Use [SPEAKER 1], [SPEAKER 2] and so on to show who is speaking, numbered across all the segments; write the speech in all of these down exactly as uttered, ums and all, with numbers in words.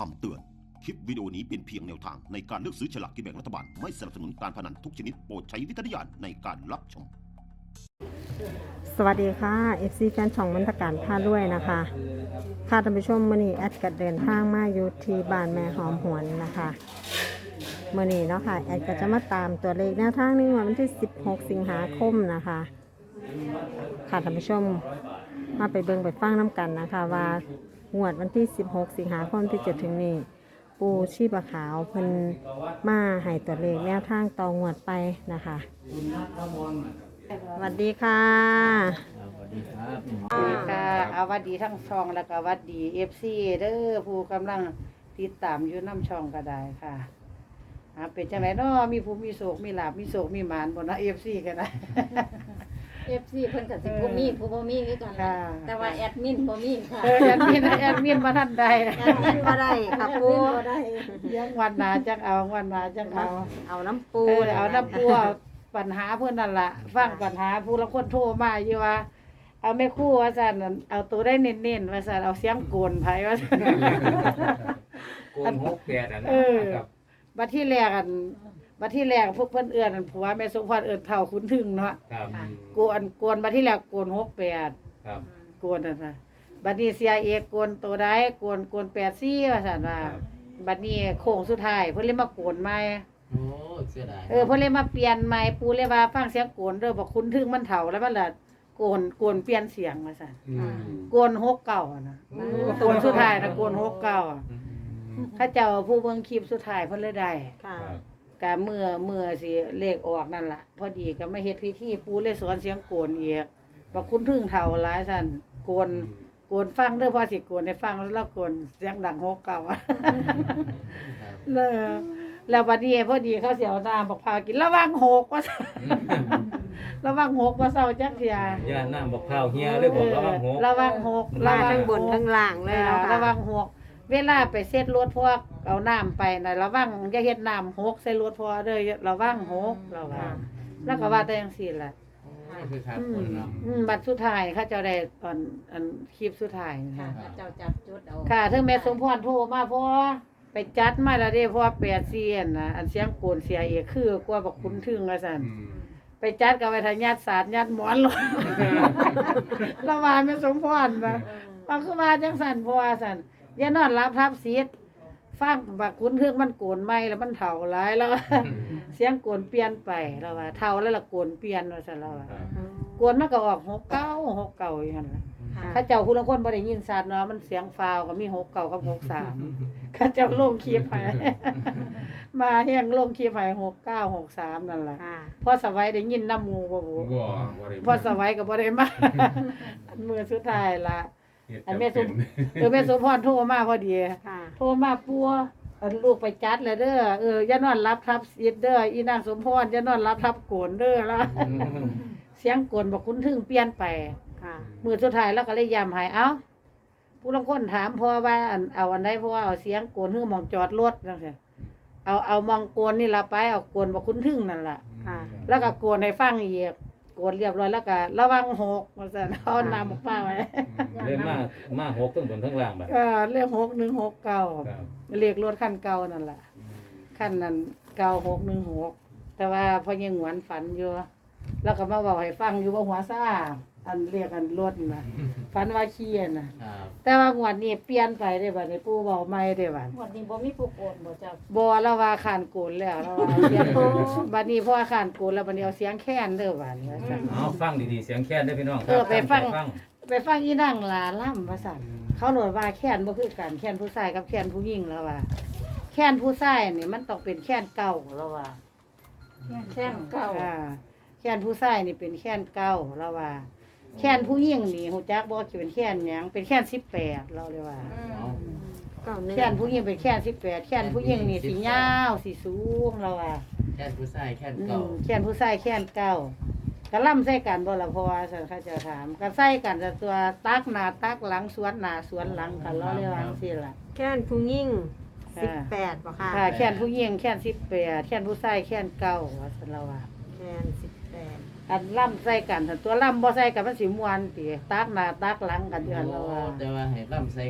[SPEAKER 1] คำเตือน คลิปวิดีโอนี้เป็นเพียงแนวทางในการเลือกซื้อฉลากกินแบ่งรัฐบาล ไม่สนับสนุนการพนันทุกชนิดโปรดใช้วิจารณญาณในการรับชม
[SPEAKER 2] สวัสดีค่ะ เอฟ ซี แฟนช่องมนตการพาด้วยนะคะค่ะท่านผู้ชมมื้อนี้แอดก็เดินทางมาอยู่ที่บ้านแม่หอมหวนนะคะมื้อนี้เนาะค่ะแอดก็จะมาตามตัวเลขแนวทางในวันที่สิบหกสิงหาคมนะคะค่ะท่านผู้ชมมาไปเบิ่งไปฟังน้ำกันนะคะว่างวดวันที่สิบหกสิงหาคมที่จะถึงนี้ปูชีพขาวเพิ่นมาให้ตัวเลขแนวทางต่องวดไปนะคะสวัสดีค่ะ
[SPEAKER 3] สวัสดีครับ
[SPEAKER 4] สวัสดีค่ะเอาวัดดีทั้งช่องแล้วก็วัดดีเอฟซีเด้อผู้กำลังติดตามอยู่น้ำช่องก็ได้ค่ะหาเป็นจังไหนเนาะมีผู้มีโศกมีลาบมีโศกมีหมานบ่เนาะเอฟซีก็ได้
[SPEAKER 5] เอฟซีเพิ่นก็สิผู้มีผู้บ่มีคือกัน
[SPEAKER 4] ค่ะ
[SPEAKER 5] แต่ว่าแอดมินบ่มีค่ะ
[SPEAKER 4] เออแอดมินแอดมินบ่ทันใด
[SPEAKER 2] แอดมินบ่ได้ค่ะ
[SPEAKER 5] แอด
[SPEAKER 2] ปู
[SPEAKER 5] มินบ่ได้
[SPEAKER 4] ยังวันหนาจังเอาวันหนาจังเอา
[SPEAKER 2] เอาน้ำปู
[SPEAKER 4] เออเอาน้ำปัวปัญหาเพิ่นนั่นล่ะฟังปัญหาผู้ละคนโทรมาอยู่ว่าเอาแม่ครู่ว่าซั่นนั่นเอาตัวได้เน้นๆว่าซั่นเอาเสียงโกนไผว่าซั่น
[SPEAKER 3] โกนหกแปดอัน
[SPEAKER 4] เออ
[SPEAKER 3] ครับ
[SPEAKER 4] บัดที่แรกอันบัดที่แรกพวกเพิ่นเอื้อนอันผัวแม่สมพรเอื้อนเฒ่าคุณถึงเนาะ
[SPEAKER 3] ครับ
[SPEAKER 4] โกนโกนบัดที่แรกโกนหกแปด
[SPEAKER 3] ครับ
[SPEAKER 4] โกนนั่นน่ะบัดนี้เสียเอกโกนตัวใดโกนโกนแปดสี่ว่าซั่นว่าบัดนี้โค้งสุดท้ายเพิ่นเลยมาโกนใหม่
[SPEAKER 3] โอ้เสียดาย
[SPEAKER 4] เออเพิ่นเลยมาเปลี่ยนใหม่ปู่เลยว่าฟังเสียงโกนเด้อบอกคุณถึงมันเฒ่าแล้วมันละโกนโกนเปลี่ยนเสียงว่าซั่น
[SPEAKER 3] อืม
[SPEAKER 4] โกนหกเก้าอะนะโกนสุดท้ายนะโกนหกเก้าอะ
[SPEAKER 3] อืม
[SPEAKER 4] เขาเจ้าผู้เบิ่งคลิปสุดท้ายเพิ่นเลยได้
[SPEAKER 2] ค่ะ
[SPEAKER 3] ครับ
[SPEAKER 4] กะเมื่อเมื่อสิเลขออกนั่นล่ะ พอดีก็มาเฮ็ดพิธีปู่เลยสอนเสียงโกนอีกบอกคุณพึ่งเฒ่าหลายซั่นโกนโกนฟังเด้อพอสิโกนให้ฟังแล้วเราโกนเสียงดังหกเก้าอะ
[SPEAKER 3] ครับ
[SPEAKER 4] แล้วแล้วบัดนี้พอดีเขาสิเอาน้ำบักพร้าวกินระวังหกว่าซั่น ระวังหกว่าเศร้าจักเที่ย
[SPEAKER 3] ย่าน้ำบอกข้าวเฮียเลยบอกระวังหก
[SPEAKER 4] ระวังหก
[SPEAKER 2] มา
[SPEAKER 4] ระวั
[SPEAKER 2] ทั้งบน
[SPEAKER 4] หก
[SPEAKER 2] ทั้งล่างเลยเนาะ
[SPEAKER 4] อ่า
[SPEAKER 2] ค่ะ
[SPEAKER 4] ระวังหกเวลาไปเซ็ตรถพวกเอาน้ำไปน่ะระวังอย่าเฮ็ดน้ำหกใส่รถพอเด้อระวังหกระวังแล้วก็ว่าแต่จังซี่ล่ะ
[SPEAKER 3] นี่คือขาด
[SPEAKER 4] อื
[SPEAKER 3] ค
[SPEAKER 4] ม
[SPEAKER 3] นเนาะ
[SPEAKER 4] อืมบัดสุดท้ายเขาเจ้าได้ตอนอันคลิปสุดท้ายนะ
[SPEAKER 5] ค่ะ
[SPEAKER 4] คะ
[SPEAKER 5] เจ้าจับจุดเอา
[SPEAKER 4] ค่ะถึงแม่สมพรโทรมาพอไปจัดมาแล้วเด้เพราะว่าแปดเซียนน่ะอันเสียงโกนเสียเอกคือกว่าบักคุณถึงว่าซั่น
[SPEAKER 3] อืม
[SPEAKER 4] ไปจัดกับไปทางญาติศาสตร์ญาติหมอนลง ละวาแม่สมพรนะว่าคือว่าจังซั่นเพราะว่าซั่นอย่านอนรับทับซีดฟังบักคุณถึงมันโกนใหม่แล้วมันเฒ่าหลายแล้ว เสียงโกนเปลี่ยนไปแล้วว่าเฒ่าแล้วละโกนเปลี่ยนว่าซั่นแล้วว่า
[SPEAKER 3] ครับ
[SPEAKER 4] โกนมันก็ออกหกเก้าหกเก้าอย่างนั้นล่ะ
[SPEAKER 2] ค่ะ
[SPEAKER 4] ข้าเจ้าผู้ลางคนบ่ได้ยินชัดเนาะมันเสียงฟาวก็มีหกเก้ากับหกสาม ข้าเจ้าลงคลิปให้ มาแฮงลงคลิปให้หกเก้าหกสามนั่นล่ะ
[SPEAKER 2] ค่ะ
[SPEAKER 4] พอสวัยได้ยินน้ำหมูบ่บุ
[SPEAKER 3] บ่บ่ได้
[SPEAKER 4] พอสวัยก็บ่ได้มา อันมือสุดท้ายละอันแม่สมเออแม่สมพรโทรมาพอดี
[SPEAKER 2] ค่ะ
[SPEAKER 4] โทรมาปัวอันลูกไปจัดแล้วเด้อเอออย่านอนรับทับอิดเด้ออีนางสมพรอย่านอนรับทับโกนเด้อแล้ว
[SPEAKER 3] อืม
[SPEAKER 4] เสียงโกนบ่คุ้นถึงเปลี่ยนไป
[SPEAKER 2] ค่ะ
[SPEAKER 4] มือสุดท้ายแล้วก็เลยย้ำให้เอ้าผู้ลางคนถามพ่อว่าอันเอาอันใดเพราะว่าเอาเสียงโกนฮือหมองจอดรถจังซี่เอาเอามองโกนนี่ล่ะไปเอาโกนบ่คุ้นถึงนั่นล่ะ
[SPEAKER 2] ค่ะ
[SPEAKER 4] แล้วก็โกนให้ฟังอีกโกนเรียบร้อยแล้วก็ระวังหกว่าซั่นเอาน้ำออกมาไว้
[SPEAKER 3] เล่นมามาหกทั้งบนทั้งล่างแบบ
[SPEAKER 4] ก็เลขหกหนึ่งหกเก้า
[SPEAKER 3] ครับ
[SPEAKER 4] เลขรถคันเก่านั่นล่ะคันนั้นเก้าหกหนึ่งหกแต่ว่าพอยังหวนฝันอยู่แล้วก็มาเว้าให้ฟังอยู่ว่าหัวซ่าอันเรียกอันรถน่ะฝันว่าขี้น่ะ
[SPEAKER 3] ครับ
[SPEAKER 4] แต่ว่างวดนี้เปลี่ยนไปได้บัดนี้ปู่เว้าใหม่ได้บัด
[SPEAKER 5] งวดนี้บ่มีผู้โกนบ่เจ้า
[SPEAKER 4] บ่แล้วว่าขานโกนแล้วแล้วว่าเสียงบัดนี้พอขานโกนแล้วบัดนี้เอาเสียงแค้นเด้อบัดนี้ว่าซั่น
[SPEAKER 3] เอาฟังดีๆเสียงแค้นได้อพี่น้องค
[SPEAKER 4] เอ
[SPEAKER 3] รั
[SPEAKER 4] อไปฟัง
[SPEAKER 3] ฟัง
[SPEAKER 4] ไปฟังอีนางลาล่ำว่าซั่นเขาโหนดว่าแค้นบ่คือกันแค้นผู้ชายกับแค้นผู้หญิงแล้วว่าแค้นผู้ชายนี่มันต้องเป็นแค้นเก่าแล้วว่า
[SPEAKER 5] แค่นเก่า
[SPEAKER 4] อ่าแค้นผู้ชายนี่เป็นแค้นเก่าแล้วว่าแค้นผู้หญิงนี่ฮู้จักบ่สิเป็นแค้นหยังเป็นแค้นสิบแปดเราเลยว่า
[SPEAKER 3] เอา
[SPEAKER 2] เก้าหนึ่ง
[SPEAKER 4] แค้นผู้หญิงเป็นแค้นสิบแปดแค้นผู้หญิงนี่สิยาวสิสูงแล้วว่า
[SPEAKER 6] แค่ผู้ชายแค่
[SPEAKER 4] อื
[SPEAKER 6] เก่าม
[SPEAKER 4] แค้นผู้ชายแค้นเก่าก็ล่ำใส่กันบ่ล่ะเพราะว่าซั่นเขาเจะถามก็ใส่กันแต่ตัวตักหน้าตักหลังสวนหน้าสวนหลังกันเราเลยว่าจังซี่ล่ะ
[SPEAKER 2] แค่นผู้ยิ่ง
[SPEAKER 4] ค่ะ
[SPEAKER 2] สิบแปดบ่ค่ะ
[SPEAKER 4] ค่ะแค้นผู้หญิงแค้นสิบแปดแค้นผู้ชายแค้นเก่าว่าซั่นแล้วว่า
[SPEAKER 2] แค่นสิบแปด
[SPEAKER 4] อันล่ำใส่กันถ้าตัวล่ำบ่ใส่กันมันสิม่วนติตักหน้าตักหลังกันเดือนแล้วว่า
[SPEAKER 6] แต่ว่าให้ล่ำใส่กัน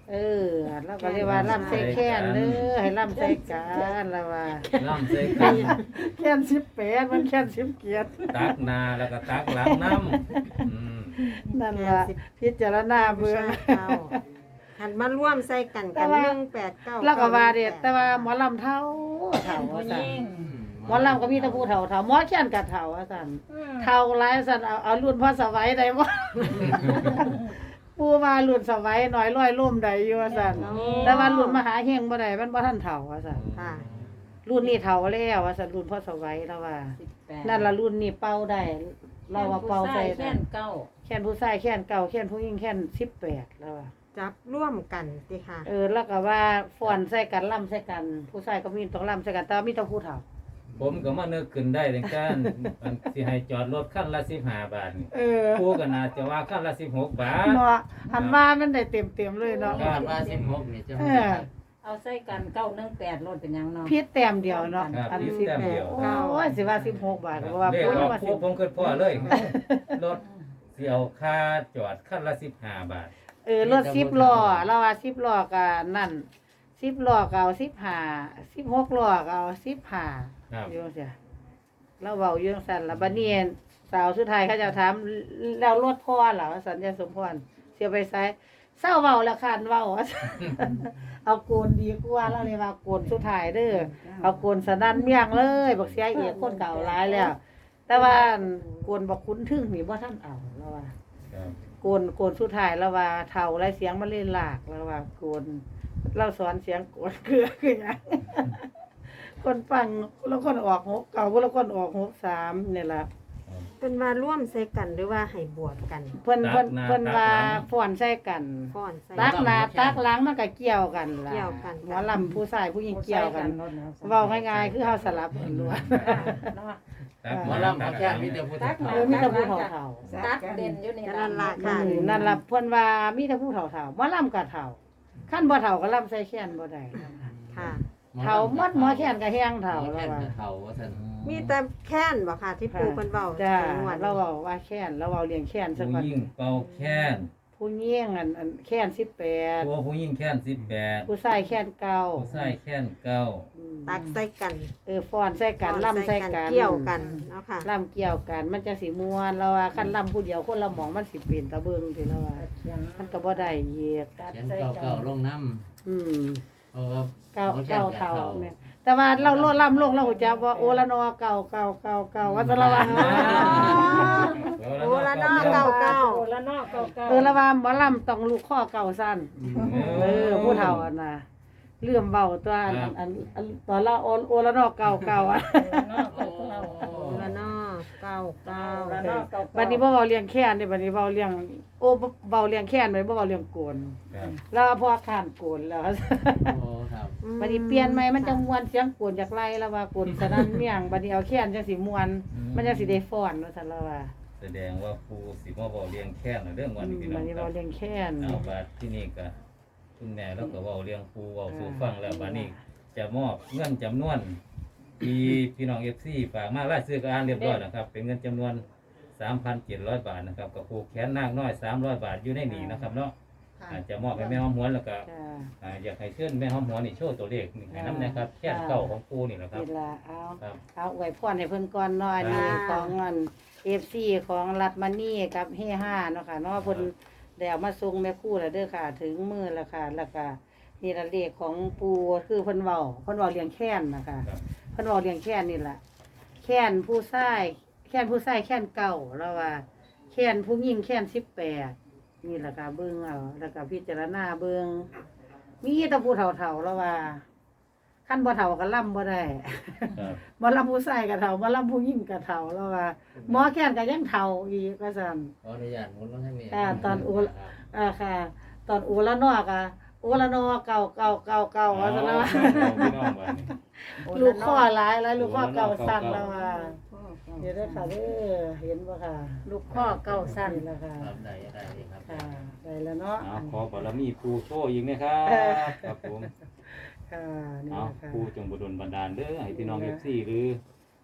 [SPEAKER 4] เออเราก็เรียกว่าล่ำใส่แค้นเด้อให้ล่ำใส่กันแล้วว่า
[SPEAKER 3] ล่ำใส่กัน
[SPEAKER 4] แค้นสิบแปดมันแค้นสิบเกียรติ
[SPEAKER 3] ตักหนาแล้วก็ตักหลังน้ำอืม
[SPEAKER 4] นั่นล่ะพิจารณาเบิ่ง
[SPEAKER 2] เก้าหันมาร่วมใส่กัน
[SPEAKER 4] แต่
[SPEAKER 2] กัน
[SPEAKER 4] ว่า
[SPEAKER 2] หนึ่งแปดเก้า
[SPEAKER 4] แล้วก็ว่าเด็ดแต่ว่าหมอลำเท่าเท่าว่าซั่นหมอลำก็มีแต่ผู้เฒ่าเท่าหมอแค้นก็เท่าว่าซั่นเท่าหลายซั่นเอาเอารุ่นพ่อสวัยได้บ่ ปู่ว่ารุ่นสวัยน้อยร้อยล่มได้อยู่ว่าซั่นแต่ว่ารุ่นมหาเฮงบ่ได้มันบ่ทันเฒ่าว่าซั่น
[SPEAKER 2] ค่ะ
[SPEAKER 4] รุ่นนี้เฒ่าแล้วว่าซั่นรุ่นพ่อสวัยแล้วว่า
[SPEAKER 5] สิบแปด
[SPEAKER 4] นั่นล่ะรุ่นนี้เป่าได้เราว่าเป่าใส่
[SPEAKER 5] แค่นเก้า
[SPEAKER 4] แค้นผู้ชายแค้นเก่าแค้นผู้หญิงแค้นสิบแปดแล้วว่า
[SPEAKER 2] จับร่วมกันสิค่ะ
[SPEAKER 4] เออแล้วก็ว่าฟ้อนใส่กันล่ำใส่กัน ผู้ชายก็มีต้องล่ำใส่กันแต่ว่ามีแต่ผู้เฒ่า
[SPEAKER 3] ผมก็มานึกขึ้นได้ในการอันสิให้จอดรถคันละสิบห้าบาทนี่
[SPEAKER 4] เออ
[SPEAKER 3] ผู้ก็น่าจะว่าคันละสิบหกบาท
[SPEAKER 4] เนาะหันว่ามันได้เต็มๆเลยเนาะ
[SPEAKER 3] ครับ
[SPEAKER 6] ว่าสิบหกนี่จะ
[SPEAKER 4] เออ
[SPEAKER 5] เอาใส่กันเก้าหนึ่งแปดรถเป็นหยังเนาะ
[SPEAKER 4] พิษแต้มเดียวเนาะ
[SPEAKER 3] ครับ
[SPEAKER 4] อัน
[SPEAKER 3] พิษ
[SPEAKER 4] สิบ
[SPEAKER 3] แต้ม
[SPEAKER 4] แป
[SPEAKER 3] เดี
[SPEAKER 4] ด
[SPEAKER 3] ยว
[SPEAKER 4] โอ้ยสิว่าสิบหกบาทก็ว่า
[SPEAKER 3] เลข
[SPEAKER 4] พูด
[SPEAKER 3] ออก
[SPEAKER 4] ว่าสิ
[SPEAKER 3] ผู้ผมเกิดพ่อเลยรถเสียวค่าจอดคันละสิบห้าบาท
[SPEAKER 4] เออรถสิบล้อเราว่าสิบล้อก็นั่นสิบล้อก็เอาสิบห้า สิบหกล้อก็เอาสิบห้า
[SPEAKER 3] ครับ
[SPEAKER 4] อยู่จังซี่เราเว้าอยู่จังซั่นล่ะบัดนี้สาวสุดท้ายเขาจะถามแล้วรถพ่อเหรอสัญญาสมพรเสียไปไสเศร้าเว้าแล้วคันเว้า เอาโกนดีกว่าแล้วเลยว่าโกนสุดท้ายเด้อเอาโกนสนั่นเมียงเลยบักเสียเอกคนเก่าหลายแล้ว แต่ว่าโกนบักคุ้นทึ่งนี่บ่ทันเอาแล้วว่า
[SPEAKER 3] ครับ
[SPEAKER 4] โกนโกนสุดท้ายแล้วว่าเฒ่าไรเสียงมันเล่นหลากแล้วว่าโกนเราสอนเสียงโกนคือคือหยัง คนฟังแล้วคนออกหกเก่าแล้วคนออกหกสามนี่ล่ะ
[SPEAKER 2] เป็นว่าร่วมใส่กันหรือว่าให้บวชกัน
[SPEAKER 4] เพิ่นเพิ่น
[SPEAKER 3] ตักหน้า
[SPEAKER 4] เพิ่นว่า
[SPEAKER 3] ตักหลัง
[SPEAKER 4] ฟ้อนใส่กัน
[SPEAKER 2] ฟ้อนใส่
[SPEAKER 4] ตักหน้าตักหลังมันก็เกี่ยวกันล่ะ
[SPEAKER 2] เกี่ยวกัน
[SPEAKER 4] หมอลำผู้ชายผู้หญิงเกี่ยวกันเว้าง่ายๆคือเฮาสลับกันล้วน
[SPEAKER 5] เนาะ
[SPEAKER 3] ตัก
[SPEAKER 6] หมอลำหมอแค่มีแต่ผู้
[SPEAKER 5] ตั
[SPEAKER 6] ตั
[SPEAKER 5] ก
[SPEAKER 6] ก
[SPEAKER 5] หน่
[SPEAKER 4] เออมีแต่ผู้เฒ่า
[SPEAKER 5] ตักเด่นอยู่นี่
[SPEAKER 2] ก็นั่นล่ะ
[SPEAKER 4] ๆ
[SPEAKER 2] ค่ะ
[SPEAKER 4] อืมนั่นล่ะเพิ่นว่ามีแต่ผู้เฒ่าๆบ่ลำก็เฒ่าคันบ่เฒ่าก็ลำใส่แขนบ่ได้
[SPEAKER 2] ค่ะ
[SPEAKER 4] เฒ่าหมดหมอแขนก็แห้งเฒ่า
[SPEAKER 6] หมอ
[SPEAKER 4] แล้
[SPEAKER 6] แค่
[SPEAKER 4] วว่า
[SPEAKER 6] เฒ่าว่าซั่น
[SPEAKER 2] มีแต่แค้นบ่ค่ะที่ปู่เพิ่นเว้า
[SPEAKER 4] จ้า
[SPEAKER 2] จังหวัด
[SPEAKER 4] เราเว้าว่าแขนเราเว้าเลี้ยงแขนสัก
[SPEAKER 3] ผู้
[SPEAKER 4] วัน
[SPEAKER 3] ยิ่งเป่าแค้น
[SPEAKER 4] ผู้หญิงอันอันแขนสิบแปด
[SPEAKER 3] ตัวผู้ยิ่งแค้นสิบแปด
[SPEAKER 4] ผู้ชายแขนเก้า
[SPEAKER 3] ผู้ชายแค้นเก้า
[SPEAKER 4] อืม
[SPEAKER 2] ตักใส่กัน
[SPEAKER 4] เออฟ้อนใส่กันลำใส่กัน
[SPEAKER 2] เกี่ยวกันเนาะค่ะ
[SPEAKER 4] ลำเกี่ยวกันมันจะสิม่วนเราว่าคันลำผู้เดียวคนละหมองมันสิเป็นตะเบิงที่เราว่ามันก็บ่ได้เหยียก
[SPEAKER 6] เขียนเก่าๆลงน้
[SPEAKER 4] อืม
[SPEAKER 6] ำเพราะว่า
[SPEAKER 4] เก้า
[SPEAKER 6] หมอแค่
[SPEAKER 4] เก้า
[SPEAKER 6] แปด
[SPEAKER 4] เท่า
[SPEAKER 6] เท่า
[SPEAKER 4] เนี่ยแต่ว่าเราโลดลำลงเราหูจักว่าโอละนอเก่าเก่าเก่าเก่าว่าจะละว่า
[SPEAKER 2] โอ้ละเนาะเก้าเก้า
[SPEAKER 5] โอละเนาะเก้าเก้า
[SPEAKER 4] เออละว่าหมอลำต้องลูกข้อเก่าสั้นเออผู้เฒ่าอันน่ะเลื่อมเบาตัวอันอันอันอันตอนละโอโอละนอเก่าเก่าอ่ะ
[SPEAKER 5] โอละเนาะเก้าเก้า
[SPEAKER 2] โอ้ละเนาะเก้าเก้า
[SPEAKER 5] โอละเนาะเก้าเก้า
[SPEAKER 4] บัดนี้บ่เว้าเลี้ยงแค้นเด้บัดนี้เว้าเลี้ยงโอ้บ่เว้าเลี้ยงแค้นไว้บ่เว้าเลี้ยงโกน
[SPEAKER 3] ครับ
[SPEAKER 4] แล้วพอข้านโกนแล้ว
[SPEAKER 6] โอ้ครับ
[SPEAKER 4] บัดนี้เปลี่ยนใหม่มันจังม่วนเสียงโกนจากไล่แล้วว่าโกนสนั่นเมียงบัดนี้เอาแค้นจังสิม่วนมันจังสิได้ฟ้อนว่าซั่นแล้วว่า
[SPEAKER 3] แสดงว่าครูสิมาบอกเลี้ยงแค้นเรื่องวันนี้พี่น้
[SPEAKER 4] บั
[SPEAKER 3] อ
[SPEAKER 4] ด
[SPEAKER 3] ง
[SPEAKER 4] นี้
[SPEAKER 3] ครั
[SPEAKER 4] เว้า
[SPEAKER 3] บ
[SPEAKER 4] เลี้ยงแค้น
[SPEAKER 3] เอาบาดที่นี่ก็คุณแม่แล้วก็เว้าเลี้ยงครูเว้าสู่ฟังแล้วบัดนี้จะมอบเงินจำนวนที่พี่น้อง เอฟ ซี ฝากมารายชื่อก็อ่านเรียบร้อยนะครับเป็นเงินจำนวน สามพันเจ็ดร้อย บาทนะครับกับครูแขนนางน้อยสามร้อยบาทอยู่ในนี้นะครับเนาะอาจจะมอบให้แม่หอมหวนแล้วก็
[SPEAKER 4] จ้า
[SPEAKER 3] อ่าอยากให้เชิญแม่หอมหวนนี่โชว์ตัวเลขนี่ให้น้ำนะครับแค่นเก่าของครูนี่แหละครับ
[SPEAKER 4] นี่ล่ะเอา
[SPEAKER 3] ครับ
[SPEAKER 4] เอาอวยพรให้เพิ่นก่อนเนาะอันนี้ของอัน เอฟ ซี ของรัฐมานี่กับเฮห้าเนาะค่ะเนาะเพิ่นได้เอามาส่งแม่ครูแล้วเด้อค่ะ ถึงมือแล้วค่ะแล้วก็นี่ละเลขของปู่คือเพิ่นเว้าเพิ่นเว้าเลี้ยงแค้นนะคะ
[SPEAKER 3] ครับ
[SPEAKER 4] เพิ่นเว้าเลี้ยงแค้นนี่ล่ะแค้นผู้ชายแค้นผู้ชายแค้นเก่าแล้วว่าแค้นผู้หญิงแค้นสิบแปดนี่ล่ะค่ะเบิ่งเอาแล้วก็พิจารณาเบิ่งมีแต่ผู้เฒ่าๆแล้วว่าคันบ่เฒ่าก็ล่ำบ่ได้
[SPEAKER 3] ครับ
[SPEAKER 4] บ่ลำผู้ชายก็เฒ่าบ่ลำผู้หญิงก็เฒ่าแล้วว่าหมอแค้นก็ยังเฒ่าอีกว่าซั่น
[SPEAKER 6] ขออนุญาตหมุนลงทางนี้
[SPEAKER 4] อ่าตอนอุอ่าค่ะ ตอนอูละนอกอ่ะอูละนอเก่าเก่าเก่าเก่าว่าซั่นแล้วว่า
[SPEAKER 3] พี่น้องบัดนี้
[SPEAKER 4] ลูกข้อหลายหลายลูกข้อเก่าสั้นแล้วว่าเดี๋ยวเด้อค่ะเด้อเห็นบ่ค่ะ
[SPEAKER 5] ลูกข้อเก้าสั้น
[SPEAKER 4] นี่ล่ะค่ะ
[SPEAKER 6] ครับได้ได้ดีครับ
[SPEAKER 4] ค่ะได้แล้วเนาะ
[SPEAKER 3] เอาขอบารมีครูโชว์อีกนะครับ
[SPEAKER 4] เออ
[SPEAKER 3] ครับผม
[SPEAKER 4] ค่ะนี่
[SPEAKER 3] เอา
[SPEAKER 4] ล่ะค่ะ
[SPEAKER 3] ครูจงบุดลบันดาลเด้อให้พี่น้อง เอฟ ซี หรือ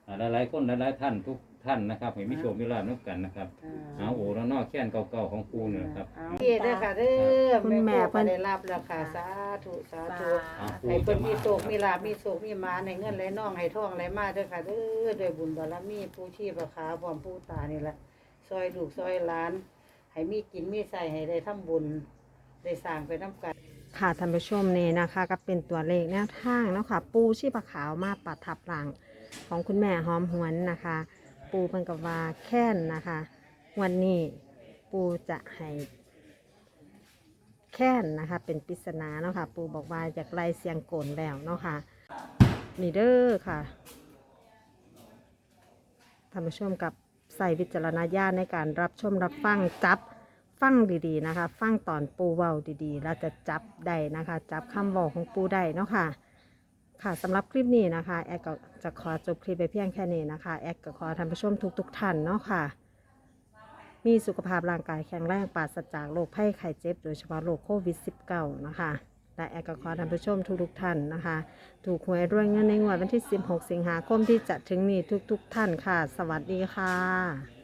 [SPEAKER 3] อ่าหลายๆคนหลายๆท่านทุกท่านนะครับให้มีโชคมีลาภนำกันนะครับเอาโอ้แล้วนอกแค้นเก่าๆของปูเนี่ยครับ
[SPEAKER 4] เอาเด้อค่ะเด้อ
[SPEAKER 2] คุณแม่
[SPEAKER 4] เพิ่
[SPEAKER 2] เพิ่
[SPEAKER 4] น
[SPEAKER 2] น
[SPEAKER 4] ได้รับแล้วค่ะสาธุสาธุ
[SPEAKER 3] เอาปู
[SPEAKER 4] ให้เพิ่
[SPEAKER 3] จะ
[SPEAKER 4] น
[SPEAKER 3] มา
[SPEAKER 4] มีโชคมีลาภมีโชคมีหมาให้เงินไหลน่องให้ทองไหลมาเด้อค่ะเด้อด้วยบุญบารมีผู้ชีพขาพร้อมผู้ตานี่แหละซอยลูกซอยหลาน ให้มีกินมีใส่ให้ได้ทำบุญได้สร้างไปนำกัน
[SPEAKER 2] ค่ะท่านผู้ชมนี่นะคะก็เป็นตัวเลขแนวทางเนาะค่ะปูชีพขาวมาปัดทับหลังของคุณแม่หอมหวนนะคะ ปูเพิ่นกับว่าแค้นนะคะ วันนี้ปูจะให้แค้นนะคะ เป็นปริศนาเนาะค่ะ ปูบอกว่าอยากไล่เสียงโกนแล้วเนาะค่ะนี่เด้อค่ะท่านผู้ชมกับใส่วิจารณญาณในการรับชมรับฟังจับฟังดีๆนะคะ ฟังตอนปูเว้าดีๆแล้วจะจับได้นะคะ จับคำบอกของปูได้เนาะค่ะ ค่ะสำหรับคลิปนี้นะคะแอดก็จะขอจบคลิปไปเพียงแค่นี้นะคะแอดก็ขอท่านผู้ชมทุกๆท่านเนาะค่ะ มีสุขภาพร่างกายแข็งแรงปราศจากโรคภัยไข้เจ็บโดยเฉพาะโรคโควิด สิบเก้า นะคะและแอดก็ขอท่านผู้ชมทุกๆท่านนะคะ ถูกหวยรวยเงินในงวดวันที่สิบหกสิงหาคมที่จะถึงนี้ทุกๆท่านค่ะ สวัสดีค่ะ